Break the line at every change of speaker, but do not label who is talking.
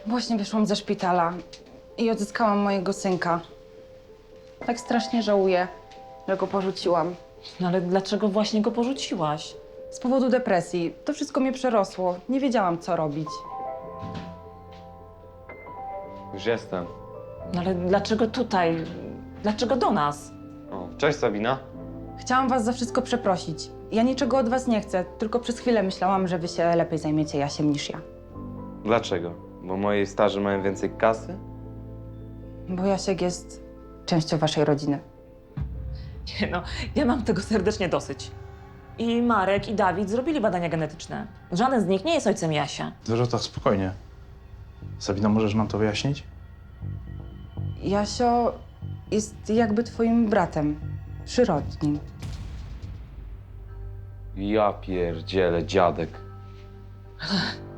Właśnie wyszłam ze szpitala i odzyskałam mojego synka. Tak strasznie żałuję, że go porzuciłam.
No ale dlaczego właśnie go porzuciłaś?
Z powodu depresji. To wszystko mnie przerosło. Nie wiedziałam, co robić.
Już jestem.
No ale dlaczego tutaj? Dlaczego do nas?
O, cześć Sabina.
Chciałam was za wszystko przeprosić. Ja niczego od was nie chcę, tylko przez chwilę myślałam, że wy się lepiej zajmiecie Jasiem niż ja.
Dlaczego? Bo moi starzy mają więcej kasy?
Bo Jasiek jest częścią waszej rodziny.
Nie no, ja mam tego serdecznie dosyć. I Marek, i Dawid zrobili badania genetyczne. Żaden z nich nie jest ojcem Jasia.
Dorota, spokojnie. Sabina, możesz nam to wyjaśnić?
Jasio jest jakby twoim bratem. Przyrodnim.
Ja pierdzielę, dziadek.